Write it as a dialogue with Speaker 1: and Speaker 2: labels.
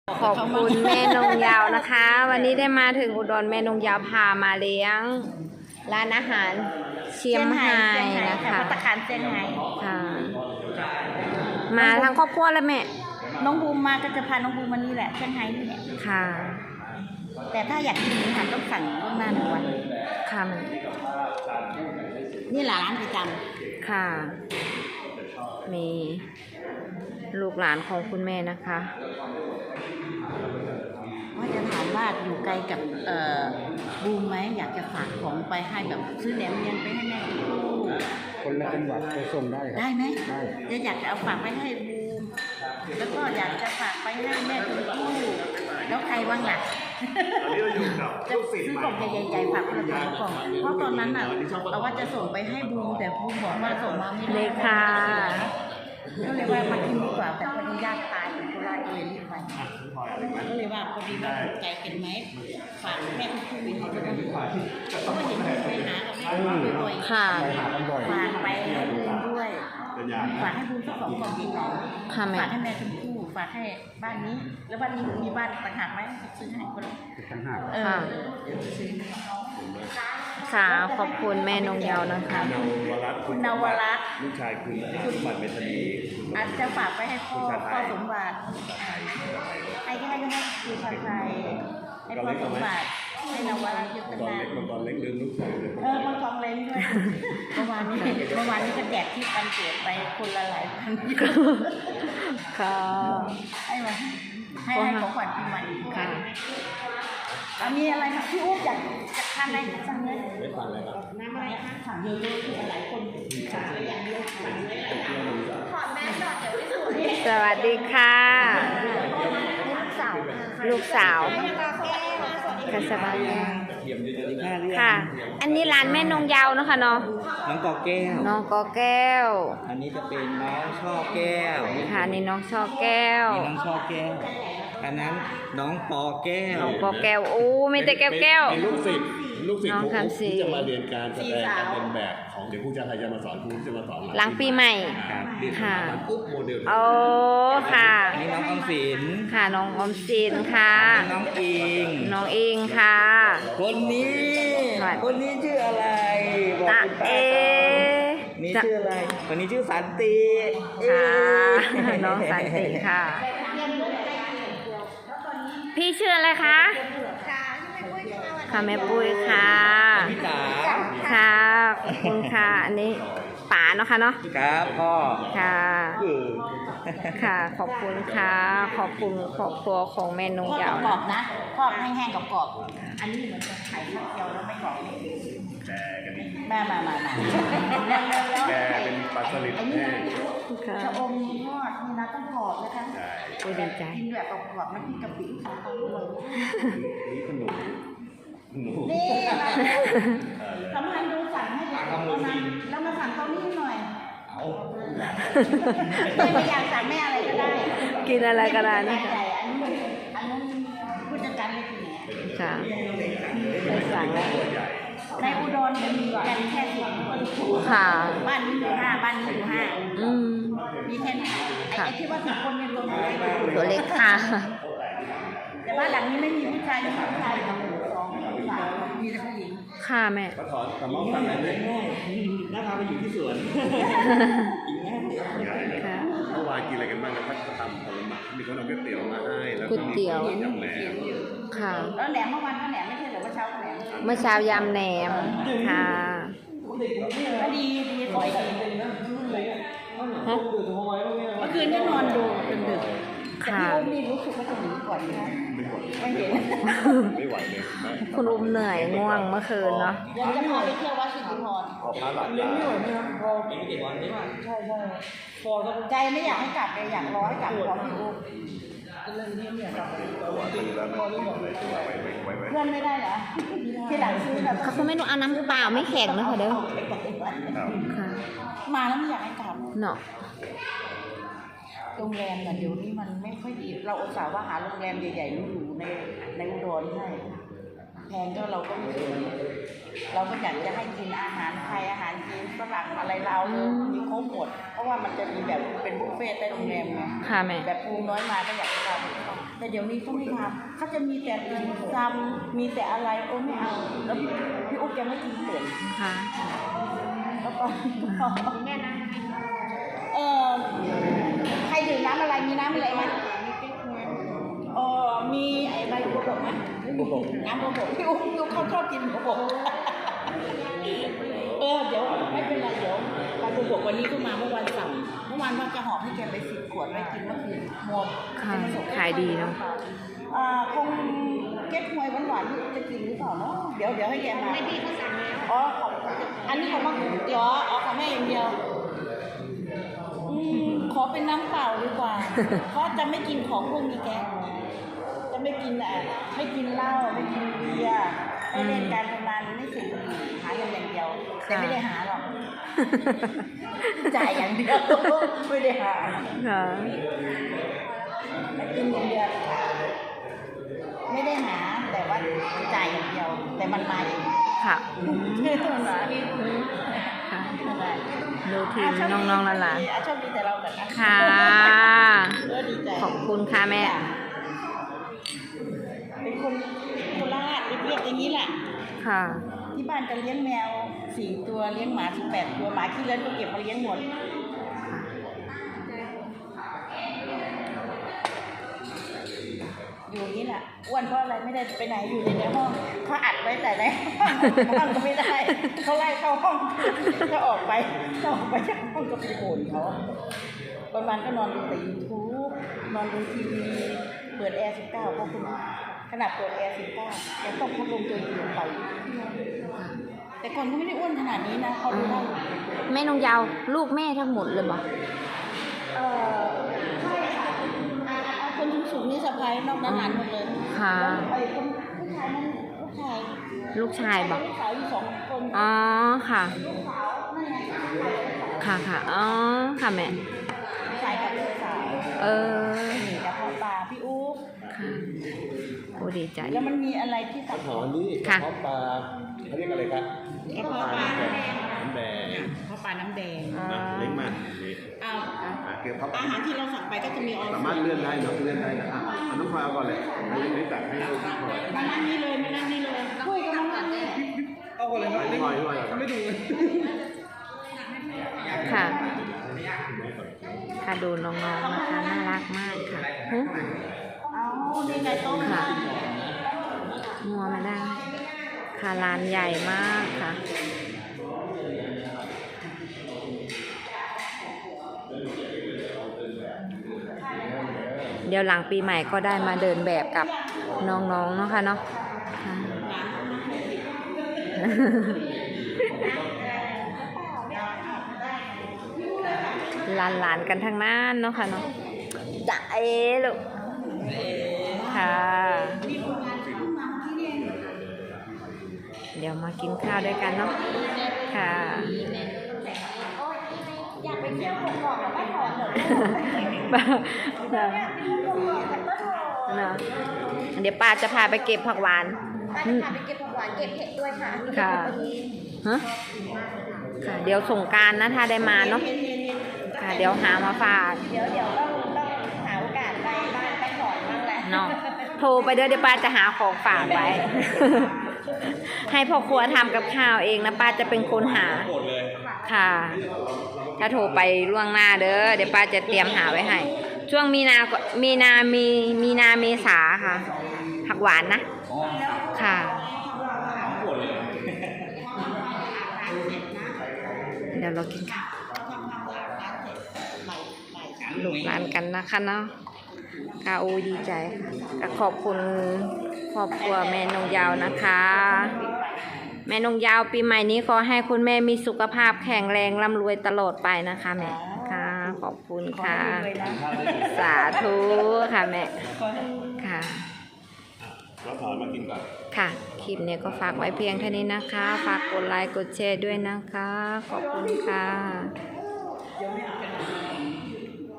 Speaker 1: ขอบคุณแม่นงยาวนะคะ วันนี้ได้มาถึงอุดรแม่นงยาวพามาเลี้ยงร้านอาหารเชียงไฮ้นะคะ
Speaker 2: ภัตตาคารเชียงไฮ้
Speaker 1: ค่ะมาทั้งครอบครัวแล้วแม่
Speaker 2: น้องบูมมาก็จะพาน้องบูมมานี่แหละเชียงไฮ้นี่แหละ
Speaker 1: ค่ะ
Speaker 2: แต่ถ้าอยากกินอาหารต้องสั่งล่วงหน้า1 วัน
Speaker 1: ค่ะ
Speaker 2: นี่แหละร้านประจำ
Speaker 1: ค่ะมีลูกหลานของคุณแม่นะคะ
Speaker 2: ว่าจะถามว่าอยู่ไกลกับบูมไหมอยากจะฝากของไปให้แบบซื้อแหนมเนียงไปให้แม่กิน
Speaker 3: คนละจังหวัดไปส่งได้ครับ
Speaker 2: ได้ไหม
Speaker 3: ได้
Speaker 2: อยากจะเอาฝากไปให้บูมแล้วก็อยากจะฝากไปให้แม่คุณคู่แล้วใครบ้างล่ะจะซื้อกล่องใหญ่ๆฝากคนละกล่องเพราะตอนนั้นน่ะเราว่าจะส่งไปให้บูมแต่บูมบอกว่าส่งมาไม่ได้
Speaker 1: ค่ะ
Speaker 2: ก็เลยว่ามากินดีกว่าแต่พอดีญาติตายอยู่โคราชเลยรีบไปก็เลยว่าพอดีว่าใจเป็นไหมฝากแม่คุณคู่มีให้ด้วยเพราะว่าเห็นไปหากับแม่คุณบ่อยๆ
Speaker 1: ค่ะ
Speaker 2: ฝากไปให้บูมด้วยฝากให้บูมสัก2 กล่องดีกว่าฝากให้แม่คุณคู่ฝากให้บ้านนี้แล้วบ้านนี้มีบ้านต่างหากไหมซื้อให้คนละ
Speaker 3: ต่างหาก
Speaker 1: ค่ะค่ะขอบคุณแม่นงยาวนะคะ
Speaker 2: คุณนวรัตน์
Speaker 4: ลูกชายคุณสมบัติเมธานี
Speaker 2: อาจจะฝากไปให้พ่อสมบัติให้คือชาไทยให้พ่อสมบัติให้นวรัตน์ยุทธนา
Speaker 4: มังกรเล็กลืมลูกชาย
Speaker 2: มังกรเล็กด้วยเมื่อวานนี้ก็แจกที่วันเกิดไปคนละหลายพัน
Speaker 1: ค่ะ
Speaker 2: ให้ของขวัญปีใหม่
Speaker 1: ค่ะ
Speaker 2: มีอะไรคะพี่อุ๊บอยากทานอะไรสั่งเลย
Speaker 4: ไม่ฟังเลยครับ
Speaker 2: น้ำอะไรคะสั่งเยอะๆคือหลายคนค่ะอย่างเดียวถอดแมสก่อนเดี๋ยวไม่สวย
Speaker 1: สวัสดีค่ะลูกสาวค่ะสบายค่ะ อันนี้ร้านแม่นงยาวนะคะเนาะ
Speaker 3: น้องกอแก้ว
Speaker 1: น้องกอแก้ว
Speaker 3: อันนี้จะเป็นน้องช่อแก้ว
Speaker 1: ค่ะนี่น้องช่อแก้ว
Speaker 3: นี่น้องช่อแก้วอันนั้นน้องปอแก้ว
Speaker 1: น้องปอแก้วโอ้ไม่แต่แก้ว
Speaker 4: เป็นลูกศิษย์ของครูที่จะมาเรียนการแสดงการเป็นแบบของเดี๋ยวครูจะจะมาสอนครูที่จะมาสอน
Speaker 1: หลังปีใหม่
Speaker 4: ค่ะปุ๊บโมเดล
Speaker 1: โอ้ค่ะ
Speaker 3: นี่น้องอมสิน
Speaker 1: ค่ะน้องอมสินค่ะ
Speaker 3: น้องอิง
Speaker 1: ค่ะ
Speaker 3: คนนี้ชื่ออะไร
Speaker 1: ตา
Speaker 3: นี่ชื่ออะไรคนนี้ชื่อสันติ
Speaker 1: ค่ะน้องสันติค่ะพี่ชื่ออะไรคะค่ะแม่ปุ้ยค่ะ
Speaker 3: พี่จ๋า
Speaker 1: ค่ะขอบคุณค่ะอันนี้ป๋าเนาะค่ะเนาะ
Speaker 3: ครับพ่อ
Speaker 1: ค่ะค่ะขอบคุณค่ะขอบคุณครอบครัวของแม่นงยาว
Speaker 2: กรอบนะทอดแห้งๆกรอบอันนี้เหมือนจะไข่ข้าวเจียวแล้วไม่กรอบ
Speaker 4: แกกันดี
Speaker 2: มา
Speaker 4: แกเป็นปลาสลิดแห้ง
Speaker 2: ชะอมทอดนี่นะต้องกรอบนะคะ
Speaker 1: โอ้ดีใจ
Speaker 2: กินแบบกรอบๆไม่กินกะปิของเขาด้วย
Speaker 4: นี่ขนม
Speaker 2: นี่ทำให้ดูสั่งให้ดูแล้วมาสั่งเขานี่หน่อยไม่อยากสั่งแม่อะไรก็ได้
Speaker 1: กินอะไรก็ได้นะ
Speaker 2: อันนู้นผู้จัดการไม่กิน
Speaker 1: ค่ะไปสั่งแล้ว
Speaker 2: ในอุดรจะมีกันแค่10 คน
Speaker 1: ค่ะ
Speaker 2: บ้านนี้อยู่5บ้านนี้อยู่5มีแค่นี้ไอ้ที่ว่า10 คนเป็น
Speaker 1: ตัวเล็กค่ะ
Speaker 2: แต่บ้านหลังนี้ไม่มีผู้ชายมีผู้ชาย2 3มีแต่ผู้หญิง
Speaker 1: ค่ะแม่
Speaker 4: ก็ถอนสมองฟังอะไรเลย
Speaker 3: น่าพาไปอยู่ที่สวน
Speaker 4: เมื่อวานกินอะไรกันบ้างนะพัฒนธรรมผลไม้มีคนเอาก๋วยเตี๋ยวมาให้แล้วก็มียำแหนม
Speaker 1: ค่ะ
Speaker 2: แล้วแหนมเมื่อวานก็แหนมไม่ใช่หรือว่าเช้าแหนม
Speaker 1: เมื่อเช้ายำแหนมค่ะ
Speaker 2: ก็ดีสวยดีเมื่อคืนก็นอนดูจนดึกแต่พี่อุ้มนี่รู้สึกว่าจะหนีก่อนนะไม่เห็น
Speaker 4: ไม่ไหวเลย
Speaker 1: คุณอุ้มเหนื่อยง่วงเมื่อคืนเนาะ
Speaker 2: ยังจะพาไปเที่ยววัดสิริพร
Speaker 4: พอพระหลับ
Speaker 3: เลี้ยงไม่ไหวนะครับพอกินกี่วันนี่
Speaker 2: ใช่พอใจไม่อยากให้กลับเลยอยากรอให้กลับของพี่อุ้มเรื่องนี้เนี่ยกลับเพื่อนไม่ได้เหรอที่หลังซื้อแบบ
Speaker 1: เขาไม่รู้เอาน้ำเปล่าไม่แข็งนะคะเด้อค่ะ
Speaker 2: มาแล้วไม่อยากให้กลับ
Speaker 1: เนาะ
Speaker 2: โรงแรมแต่เดี๋ยวนี้มันไม่ค่อยดีเราอุตส่าห์ว่าหาโรงแรมใหญ่ๆอยู่ในอุดรให้แพงก็เราก็ไม่สนเราก็อยากจะให้กินอาหารไทยอาหารจีนฝรั่งอะไรเรามีครบหมดเพราะว่ามันจะมีแบบเป็นบุฟเฟ่ต์ใต้โรงแรมไง
Speaker 1: ค่ะแม่
Speaker 2: แบบปูน้อยมาก็อยากจะทำแต่เดี๋ยวนี้เขาไม่ทำเขาจะมีแต่ติ่มซำมีแต่อะไรโอ้ไม่เอาแล้วพี่อุ๊บจะไม่กินเปลี่ยน
Speaker 1: ค่ะ
Speaker 2: แล้วก็แม่นะใครดื่มน้ำอะไรมีน้ำอะไรไหมมีไอ้ใบบัวบกไหมน้ำบัวบกพี่อุ๊บเขาชอบกินบัวบกเดี๋ยวไม่เป็นไรเดี๋ยวใบบัวบกวันนี้ก็มาเมื่อวันสั่งเมื่อวานว่าจะหอมให้แกไป10 ขวดไว้กินเมื่อคืนหมด
Speaker 1: ค่ะขายดีเนาะ
Speaker 2: คงเก็บหวยหวานๆจะกินหรือเปล่าเนาะเดี๋ยวให้แกมาไม่พี่เขาสั่งแล้วอันนี้ของมะขุนเดี๋ยวเอาของแม่อย่างเดียวขอเป็นน้ำเปล่าดีกว่า เพราะจะไม่กินของพวกนี้แกจะไม่กินไม่กินเหล้าไม่กินเบียร์ไม่เล่นการพนันไม่สูบบุหรี่หาเงินอย่างเดียวแต่ไม่ได้หาหรอกจ่ายอย่างเดียวไม่ได้หา
Speaker 1: ค่ะ
Speaker 2: ไม่กินอย่างเดียวไม่ได้หาแต่ว่าจ่ายอย่างเดียวแต่มันมาเอง
Speaker 1: ค่ะ
Speaker 2: มันมาเอง
Speaker 1: ค่ะดูทีมน้องๆหลาน
Speaker 2: ชอบดีแต่เราแบบ
Speaker 1: ๆค่ะ
Speaker 2: ดีใจ
Speaker 1: ขอบคุณค่ะแม่
Speaker 2: เป็นคนโคราชเรียบๆอย่างนี้แหละ
Speaker 1: ค่ะ
Speaker 2: ที่บ้านก็เลี้ยงแมว4 ตัวเลี้ยงหมา18 ตัวหมาที่เลี้ยงก็เก็บมาเลี้ยงหมดอยู่นี่แหละอ้วนเพราะอะไรไม่ได้ไปไหนอยู่ในห้องเขาอัดไว้แต่ในห้องก็ไม่ได้เขาไล่เข้าห้องก็ออกไปจากห้องก็ไปโผล่เขาวันๆก็นอนดูแต่ YouTube นอนดูทีวีเปิดแอร์19เพราะคุณขนาดเปิดแอร์19ยังต้องพัดลมตัวเองไปแต่ก่อนก็ไม่ได้อ้วนขนาดนี้นะเขาดูได้
Speaker 1: แม่นงยาวลูกแม่ทั้งหมดเลยบ่
Speaker 2: ใช่ค่ะคนสูงๆนี่สะพ้ายนอกนั้นหลานหมดเลย
Speaker 1: ค่ะ
Speaker 2: ไอ้คนผู้ชายนั่นลูกชาย
Speaker 1: บ่
Speaker 2: ลูกสาวอยู่2 คน
Speaker 1: อ๋อค่ะ
Speaker 2: ลูกสาวนั่นไง
Speaker 1: ค่ะอ๋อค่ะแม่
Speaker 2: ลูกชายกับลูกสาว นี่กับพ่อตาพี่อุ๊บ
Speaker 1: ค่ะโอ้ดีใจ
Speaker 2: แล้วมันมีอะไรที่สับ
Speaker 4: หอมนี่
Speaker 1: ค่ะ
Speaker 4: กระเพาะปลาเขาเรียกอะไรครับ
Speaker 2: กระเพาะปลา
Speaker 4: น้ำแดง
Speaker 2: พ่อปลาน้ำแดง
Speaker 4: นะเล็กมากนี่ เกี่ยวกับ
Speaker 2: อาหารที่เราสั่งไปก็จะมีออ
Speaker 4: สามารถเลื่อนได้เนาะเลื่อนได้นะเอาน้องพลอยเอาก่อนเลยอันนี้ตักให้ลูกพลอย
Speaker 2: มานั่งนี่เลยคุยกันมานั่งนี่
Speaker 4: เอาก่อนเลยครับพลอยไม่ดู
Speaker 1: ค่ะ ค่ะดูน้องๆนะคะน่ารักมากค่ะหึ
Speaker 2: เอานี่ไงต้ม
Speaker 1: ค่ะงัวมาได้ ค่ะร้านใหญ่มากค่ะ เดี๋ยวหลังปีใหม่ก็ได้มาเดินแบบกับน้องๆเนาะค่ะเนาะค่ะหลานๆกันทั้งนั้นเนาะค่ะเนาะจะลูกค่ะ เดี๋ยวมากินข้าวด้วยกันเนาะค่ะ
Speaker 2: อยากไปเที่ยวหอกๆไม่ถอนเหรอ
Speaker 1: เนาะเดี๋ยวป้าจะพาไปเก็บผักหวาน
Speaker 2: ป้าจะพาไปเก็บผักหวานเก็บเห็ดด้วยค่ะ
Speaker 1: ค่ะฮะค่ะ เดี๋ยวสงกรานต์นะถ้าได้มาเนาะค่ะ เดี๋ยวหามาฝาก
Speaker 2: เดี๋ยวต้องหาโอกาสไปบ้านไปถอนบ้างแหละ
Speaker 1: เนาะโทรไปเดี๋ยวป้าจะหาของฝากไว้ ให้พ่อครัวทำกับข้าวเองนะป้าจะเป็นคนหาค่ะ ถ้าโทรไปล่วงหน้าเดี๋ยวป้าจะเตรียมหาไว้ให้ ช่วงมีนาเมษาค่ะ ผักหวานนะค่ะ เดี๋ยวเรากินข้าวลูกหลานกันนะคะเนาะค่ะโอ้ดีใจค่ะขอบคุณครอบครัวแม่นงยาวนะคะ แม่นงยาวปีใหม่นี้ขอให้คุณแม่มีสุขภาพแข็งแรงร่ำรวยตลอดไปนะคะแม่ค่ะขอบคุณค่ะ สาธุค่ะแม่ค่ะ
Speaker 4: เราถอนมากินก่อน
Speaker 1: ค่ะคลิปนี้ก็ฝากไว้เพียงเท่านี้นะคะฝากกดไลค์กดแชร์ด้วยนะคะขอบคุณค่ะ
Speaker 2: เดี๋ยวไม่เอา